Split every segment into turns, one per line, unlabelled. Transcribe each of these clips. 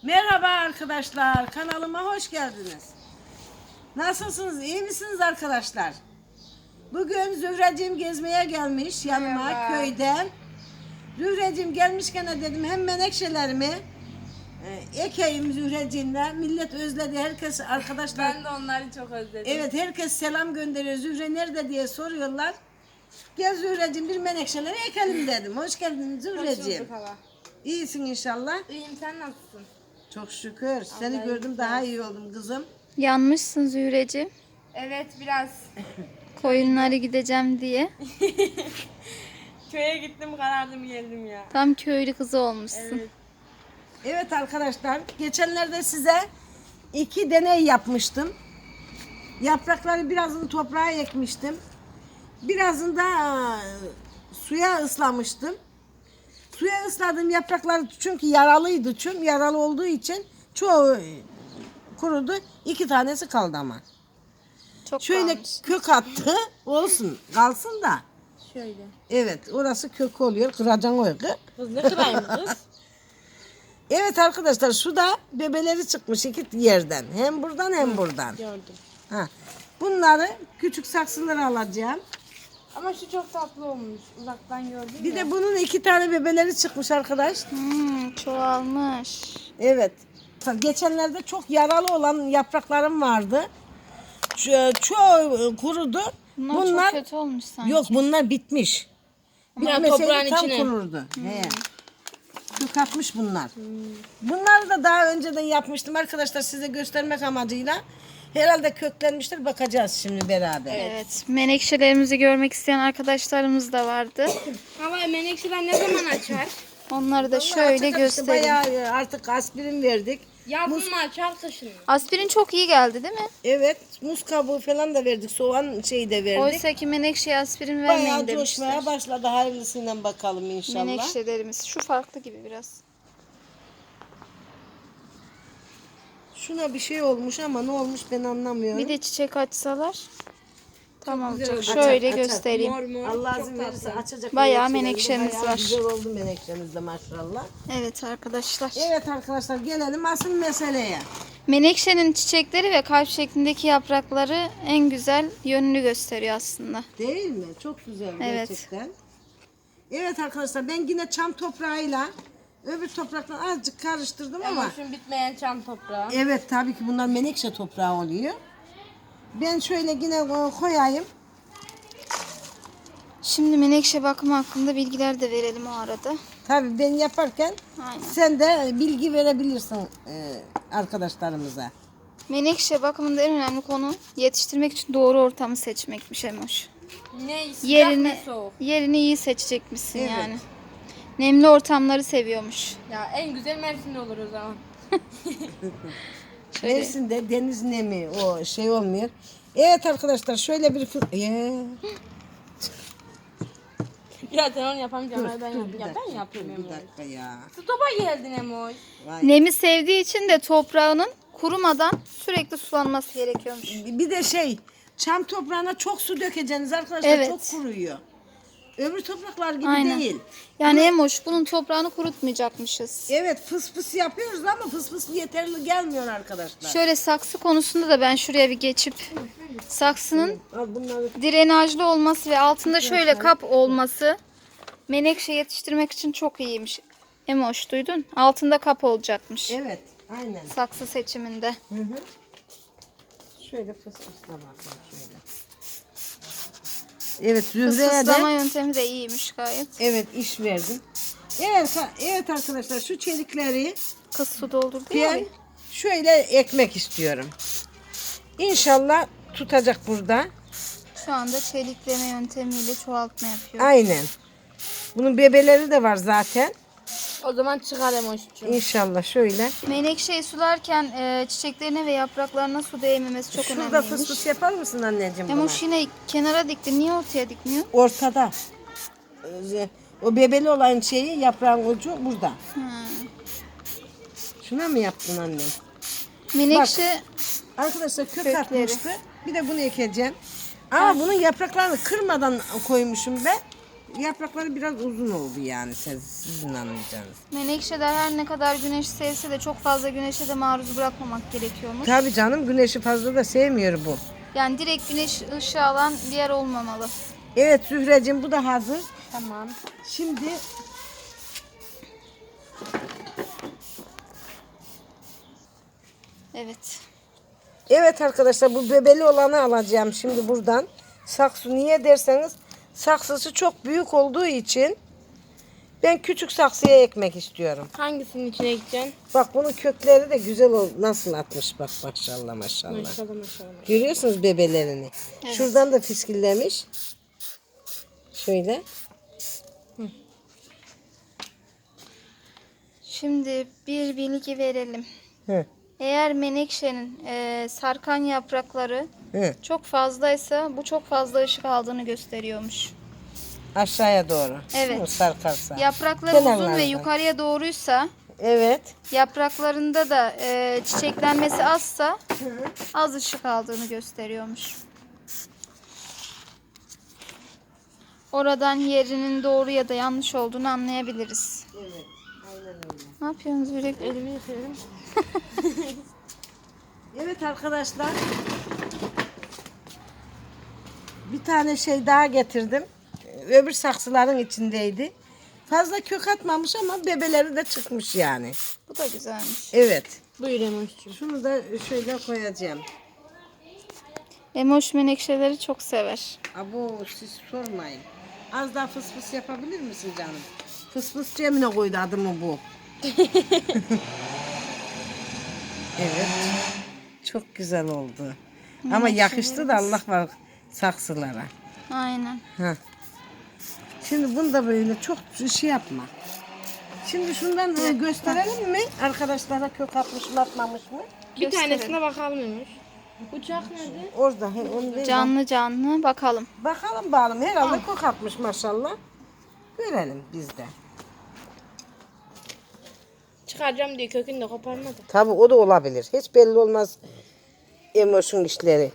Merhaba arkadaşlar, kanalıma hoş geldiniz. Nasılsınız, iyi misiniz arkadaşlar? Bugün Zühreciğim gezmeye gelmiş yanıma köyden. Zühreciğim gelmişken dedim hem menekşelerimi ekeyim Zühreciğimle. Millet özledi, herkes arkadaşlar.
Ben de onları çok özledim.
Evet, herkes selam gönderiyor. Zühre nerede diye soruyorlar. Gel Zühreciğim bir menekşeleri ekelim dedim. Hoş geldin Zühreciğim. İyisin inşallah.
İyiyim, sen nasılsın?
Çok şükür. Seni gördüm daha iyi oldum kızım.
Yanmışsın Zühreciğim.
Evet, biraz
Koyunları gideceğim diye.
köye gittim, karardım geldim ya.
Tam köylü kızı olmuşsun.
Evet.
Evet arkadaşlar, geçenlerde size 2 deney yapmıştım. Yaprakları birazını toprağa ekmiştim. Birazını da suya ıslamıştım. Suya ısladığım yapraklar çünkü yaralıydı. Yaralı olduğu için çoğu kurudu. 2 tanesi kaldı ama.
Çok
Şöyle
kalmış.
kök attı. Olsun, kalsın da.
Şöyle.
Evet, orası kök oluyor. Kıracan o kız.
Kız ne kırayım kız?
Evet arkadaşlar, şu da bebeleri çıkmış 2 yerden. Hem buradan hem buradan.
Gördüm.
Ha. Bunları küçük saksılara alacağım.
Ama şu çok tatlı olmuş. Uzaktan gördüm
Bir
ya.
de bunun 2 tane bebeleri çıkmış arkadaş.
Çoğalmış.
Evet. Geçenlerde çok yaralı olan yapraklarım vardı. Çoğu kurudu.
Bunlar çok kötü olmuş sanki.
Yok, bunlar bitmiş.
Ya
Bitmeseydi
toprağın
tam
içine.
kururdu. He. Kök atmış bunlar. Bunları da daha önceden yapmıştım arkadaşlar, size göstermek amacıyla. Herhalde köklenmiştir, bakacağız şimdi beraber.
Evet. Menekşelerimizi görmek isteyen arkadaşlarımız da vardı.
Ama menekşeler ne zaman açar?
Onları da
Vallahi
şöyle
açık işte
göstereyim.
bayağı artık aspirin verdik.
Yazın mı açar, kışın mı?
Aspirin çok iyi geldi değil mi?
Evet, muz kabuğu falan da verdik, soğan şeyi de verdik.
Oysa ki menekşeye aspirin vermeyin
Bayağı
demişler.
coşmaya başladı, hayırlısıyla bakalım inşallah.
Menekşelerimiz. Şu farklı gibi biraz.
Şuna bir şey olmuş ama ne olmuş ben anlamıyorum.
Bir de çiçek açsalar. Tamam olacak.
olacak.
Şöyle
Açar, açar.
göstereyim.
Mor mor.
Allah
çok
izin
tatlı.
verirse açacak.
Bayağı
menekşelerimiz.
menekşemiz
Bayağı
var.
güzel oldu menekşemiz de maşallah.
Evet arkadaşlar.
Evet arkadaşlar, gelelim asıl meseleye.
Menekşenin çiçekleri ve kalp şeklindeki yaprakları en güzel yönünü gösteriyor aslında.
Değil mi? Çok güzel
Evet.
gerçekten. Evet arkadaşlar, ben yine çam toprağıyla öbür topraktan azıcık karıştırdım ama
Ama şu bitmeyen çam toprağı.
evet, tabii ki bunlar menekşe toprağı oluyor. Ben şöyle yine koyayım.
Şimdi menekşe bakımı hakkında bilgiler de verelim o arada.
Tabii ben yaparken
Aynen.
sen de bilgi verebilirsin arkadaşlarımıza.
Menekşe bakımında en önemli konu yetiştirmek için doğru ortamı seçmekmiş Emoş.
Ne sıcak
Yerini,
ne soğuk.
yerini iyi seçecekmişsin
Evet.
yani. Nemli ortamları seviyormuş.
Ya en güzel Mersin'de olur o zaman.
Şöyle.
Mersin'de deniz nemi o şey olmuyor. Evet arkadaşlar, şöyle bir
Ya sen onu yapamayacağım. Ben
dur,
yapayım.
bir
Ya
dakika,
ben yapayım
bir
Emoy.
dakika ya.
Su topa geldin Emoy.
Vay.
Nemi sevdiği için de toprağının kurumadan sürekli sulanması gerekiyormuş.
Bir de çam toprağına çok su dökeceksiniz arkadaşlar,
Evet.
çok kuruyor. Öbür topraklar gibi
Aynen.
değil.
Yani Emoş bunun toprağını kurutmayacakmışız.
Evet, fıs fıs yapıyoruz ama fıs fıs yeterli gelmiyor arkadaşlar.
Şöyle saksı konusunda da ben şuraya bir geçip saksının
Al bunları.
drenajlı olması ve altında şöyle kap olması menekşe yetiştirmek için çok iyiymiş. Emoş duydun? Altında kap olacakmış.
Evet, aynen.
Saksı seçiminde.
Hı hı. Şöyle fıs fısla bakayım şöyle. Evet, Zühre'ye
Fısıslama
de
yöntemi de iyiymiş gayet.
evet iş verdim. Evet arkadaşlar, şu çelikleri
Kız su doldurdu ya.
ben şöyle ekmek istiyorum. İnşallah tutacak burada.
Şu anda çelikleme yöntemiyle çoğaltma yapıyor.
Aynen. Bunun bebeleri de var zaten.
O zaman çıkar Emoş'cum.
İnşallah şöyle.
Menekşeyi sularken çiçeklerine ve yapraklarına su değmemesi çok
Şurada
önemliymiş.
fıs fıs yapar mısın anneciğim bana?
Emoş yine kenara dikti. Niye ortaya dikmiyor?
Ortada. O bebeli olan şeyi, yaprağın ucu burada. Şuna mı yaptın annem?
Menekşe
Arkadaşlar kök
Kökleri.
atmıştı. Bir de bunu ekeceğim. Ama bunun yapraklarını kırmadan koymuşum ben. yaprakları biraz uzun oldu yani sizin anlayacağınız.
Menekşeler her ne kadar güneş sevse de çok fazla güneşe de maruz bırakmamak gerekiyormuş.
Tabii canım, güneşi fazla da sevmiyor bu.
Yani direkt güneş ışığı alan bir yer olmamalı.
Evet Zühreciğim, bu da hazır.
Tamam.
Şimdi
Evet.
evet arkadaşlar, bu bebeli olanı alacağım şimdi buradan. Saksı niye derseniz, saksısı çok büyük olduğu için ben küçük saksıya ekmek istiyorum.
Hangisinin içine gideceksin?
Bak bunun kökleri de güzel nasıl atmış bak, maşallah maşallah.
Maşallah maşallah.
Görüyorsunuz bebelerini.
Evet.
Şuradan da fiskillemiş. Şöyle.
Şimdi bir bilgi verelim.
Hı,
Eğer menekşenin sarkan yaprakları
hı.
çok fazlaysa bu çok fazla ışık aldığını gösteriyormuş.
Aşağıya doğru.
Evet.
Hı, sarkarsa.
Yaprakları uzun
Kenarlardan.
ve yukarıya doğruysa,
Evet.
yapraklarında da çiçeklenmesi azsa az ışık aldığını gösteriyormuş. Oradan yerinin doğru ya da yanlış olduğunu anlayabiliriz.
Evet. Aynen öyle.
Ne yapıyorsunuz yürekli?
Elimi yıkıyorum.
Evet arkadaşlar. Bir tane şey daha getirdim. Öbür saksıların içindeydi. Fazla kök atmamış ama bebeleri de çıkmış yani.
Bu da güzelmiş.
Evet.
Buyur Emoş'cum.
Şunu da şöyle koyacağım.
Emoş menekşeleri çok sever.
Abo siz sormayın. Az daha fıs fıs yapabilir misin canım? Fıs fıs Cemile koydu adımı bu. Evet. Çok güzel oldu. Ama yakıştı da Allah var saksılara.
Aynen.
Heh. Şimdi bunu da böyle çok şey yapma. Şimdi şundan gösterelim mi? Arkadaşlara kök atmış mı atmamış mı?
Bir tanesine bakalım Emoş. Uçak nerede?
Orada. Onu ver.
Canlı canlı bakalım.
Bakalım bakalım. Herhalde kök atmış maşallah. Görelim biz de.
Çıkaracağım diye kökünü de koparmadı.
Tabii o da olabilir. Hiç belli olmaz Emoş'un işleri.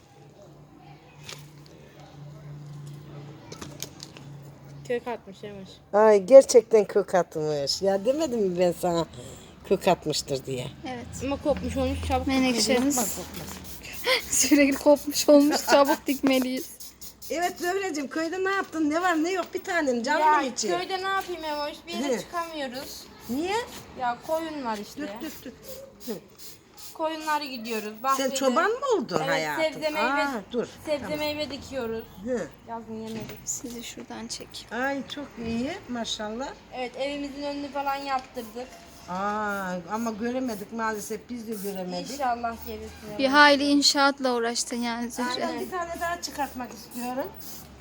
Kök atmış Emoş.
Ay gerçekten kök atmış. Ya demedim mi ben sana kök atmıştır diye.
Evet.
Ama kopmuş olmuş çabuk.
Menekşemiz sürekli kopmuş olmuş. Çabuk dikmeliyiz.
Evet Zöhreciğim, köyde ne yaptın? Ne var ne yok, bir tanem canlı
Ya
mı içi?
köyde ne yapayım Emoş? Bir
Hı.
yere çıkamıyoruz.
Niye?
Ya koyun var işte.
Dük dük dük. Hı.
Koyunları gidiyoruz.
Sen
Bahçede.
çoban mı oldun
Evet,
hayatım?
sebze meyve.
Aa, dur.
Sebze meyve dikiyoruz.
Hı.
Yazın yemedik.
Sizi şuradan çek.
Ay çok iyi maşallah.
Evet evimizin önünü falan yaptırdık.
Aa, ama göremedik maalesef, biz de göremedik.
İnşallah gelirsin.
Bir hayli inşaatla uğraştın yani Zühre.
Aynen, bir tane daha çıkartmak istiyorum.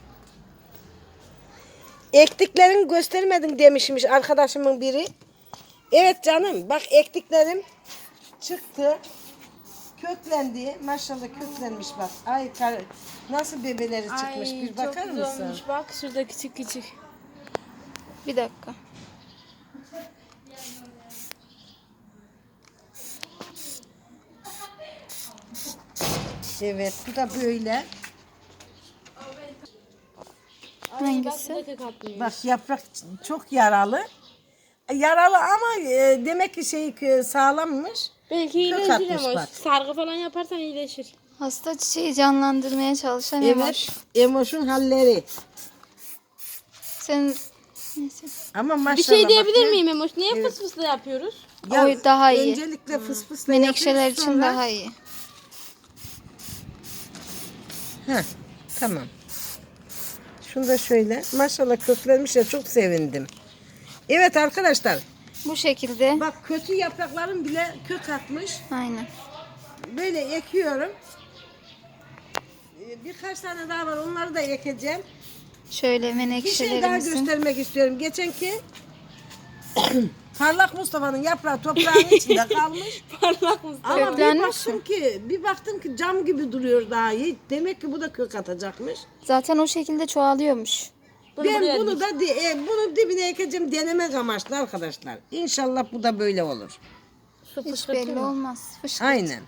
Ektiklerini göstermedin demişmiş arkadaşımın biri. Evet canım, bak ektiklerim çıktı. Köklendi. Maşallah köklenmiş bak. Ay nasıl bebeleri çıkmış, bir bakar
çok güzel
mısın?
olmuş. Bak şurada küçük küçük.
Bir dakika.
Evet, bu da böyle.
Hangisi?
Bak, kök atmıyor.
Bak yaprak çok yaralı. Yaralı ama demek ki sağlammış.
Belki
Kök
iyileşir
atmış
ama
bak.
sargı falan yaparsan iyileşir.
Hasta çiçeği canlandırmaya çalışan
Evet,
Emoş.
Emoş'un halleri.
Sen neyse.
Ama maşallah.
Bir şey
bak,
diyebilir miyim Emoş? Niye fıs fısla yapıyoruz?
Ya,
O daha iyi.
Öncelikle fıs fısla
Menekşeler
yapıyoruz,
için
sonra-
daha iyi.
Heh, tamam. Şunu da şöyle. Maşallah köklenmiş ya, çok sevindim. Evet arkadaşlar.
Bu şekilde.
Bak kötü yaprakların bile kök atmış.
Aynen.
Böyle ekiyorum. Birkaç tane daha var, onları da ekeceğim.
Şöyle
Bir şey daha
menekşelerimizin.
göstermek istiyorum. Geçenki Parlak Mustafa'nın yaprağı toprağın içinde kalmış.
Parlak mısın?
Ama
Köklenmiş
bir baktım ki cam gibi duruyor daha iyi. Demek ki bu da kök atacakmış.
Zaten o şekilde çoğalıyormuş.
Ben bunu da bunu dibine ekeceğim, denemek amaçlı arkadaşlar. İnşallah bu da böyle olur.
Hiç belli olmaz. Fışkırt.
Aynen.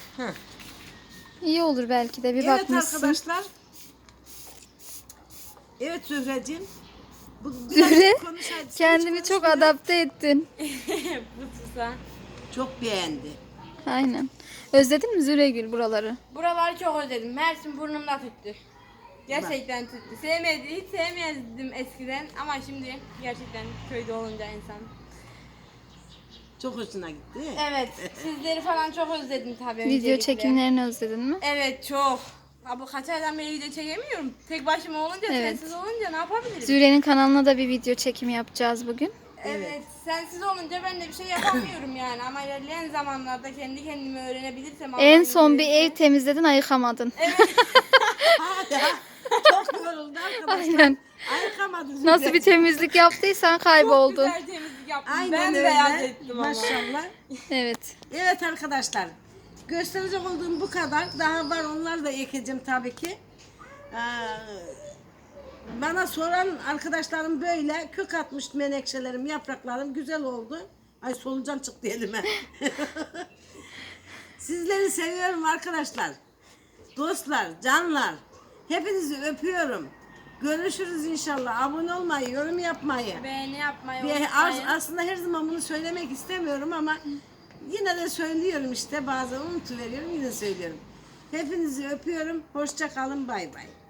İyi olur belki de bir
Evet
bakmışsın.
arkadaşlar. Evet Zühreciğim. Bu
Zühre,
konuş hadi. Sen
kendini
hiç
çok
konuşmuyor.
adapte ettin.
Bu tuza.
Çok beğendi.
Aynen. Özledin mi Züregül buraları?
Buraları çok özledim. Mersin burnumda tuttu. Gerçekten tuttu. Hiç sevmezdim eskiden ama şimdi gerçekten köyde olunca insan.
Çok hoşuna gitti.
Evet, sizleri falan çok özledim tabii
Video
öncelikle.
çekimlerini özledin mi?
Evet, çok. Abi kaç aydan beri video çekemiyorum. Tek başıma olunca,
Evet.
sensiz olunca ne yapabilirim?
Züre'nin kanalına da bir video çekimi yapacağız bugün.
Evet, sensiz olunca ben de bir şey yapamıyorum yani. Ama ilerleyen zamanlarda kendi kendime öğrenebilirsem...
En
Allah'ın
son bir
izniyle-
ev temizledin, ayıkamadın.
Hala çok yoruldu arkadaşlar.
Aynen.
Ayıkamadın.
Nasıl bir temizlik yaptıysan kayboldun.
Çok güzel temizlik yaptım.
Aynen
ben
öyle.
beyaz ettim ama.
Maşallah.
Evet.
Evet arkadaşlar. Gösterecek olduğum bu kadar. Daha var, onları da ekeceğim tabii ki. Bana soran arkadaşlarım böyle kök atmış menekşelerim, yapraklarım güzel oldu. Ay solucan çıktı elime. Sizleri seviyorum arkadaşlar. Dostlar, canlar. Hepinizi öpüyorum. Görüşürüz inşallah. Abone olmayı, yorum yapmayı.
Beğeni yapmayı
Bir
unutmayın.
aslında her zaman bunu söylemek istemiyorum ama yine de söylüyorum işte. Bazen unutuveriyorum, yine söylüyorum. Hepinizi öpüyorum. Hoşça kalın. Bay bay.